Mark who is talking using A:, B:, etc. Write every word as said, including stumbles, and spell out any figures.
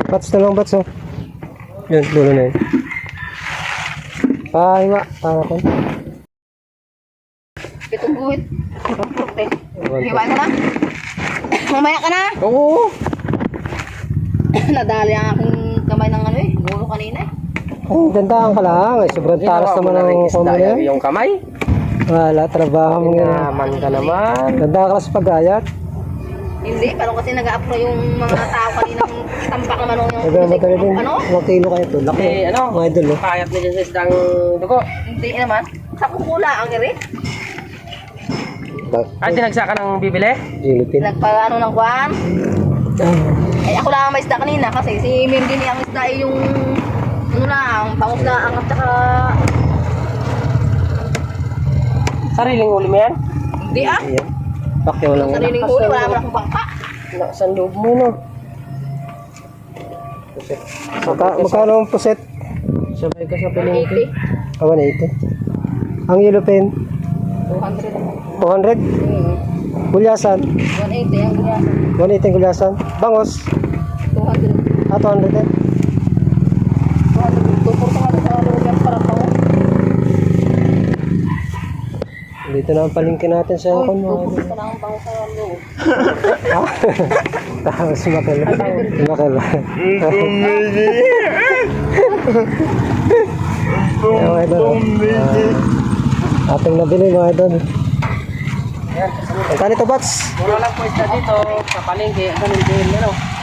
A: Bats na lang, bats oh. Yun, dulo na yun. Pahiwa, para ko.
B: Itong guhit. Hiwain mo na. Mamaya ka na.
A: Oo.
B: Nadali ang aking kamay ng ano eh. Gulo kanina eh.
A: Ay, gandaan ka lang. Ay, sobrang taras naman ang kombo na yan.
C: Yung kamay.
A: Wala, trabaho mo nga.
C: Naman ka naman.
A: Ganda ka lang sa pag-ayat.
B: Hindi, parang kasi nag-a-appro yung mga tao kaninang tampak naman yung
A: Ay, ganda talaga din.
B: ano?
A: Ilang kilo kayo ito. Laki.
C: Eh, ano?
A: Mga idol oh.
C: Kayat na dyan sa isdang dugo.
B: Hindi naman. Sa kukula ang iri.
C: Ay, tinagsa ka ng bibili?
A: Gilipin.
B: Nagpa-ano ng kwan. Ay, ako lang ang may isda kanina kasi si Mirdy niya ang isda ay yung ano lang, pangus na ang at saka
C: Sariling uli mo yan?
B: hindi ah.
A: Ayan. Pakyaw lang.
B: Sariling huli, wala mo na akong bangka.
C: Saan loob mo no?
A: Maka, magkano ang puset?
C: Sabay ka sa
B: eighty.
C: palengke.
A: Ah, one eighty. Ang yellow pen?
B: two hundred.
A: two hundred.
B: Hmm.
A: Gulyasan?
B: one eighty ang ganyan.
A: one eighty ang gulyasan. Bangos?
B: two hundred.
A: Ah, two hundred din.
B: two hundred. two hundred nga sa loob yan para pa.
A: Dito na ang palingkin natin sa
B: Uy,
A: kuno.
B: two hundred pa lang ang pangus sa loob.
A: Tapos makal. Makal. Ayan mga idol. Ah, ating nabili mga idol.
C: Ayan.
A: Ang kanito bats?
C: Mura lang po isda dito sa palengke. Ganun din, ano?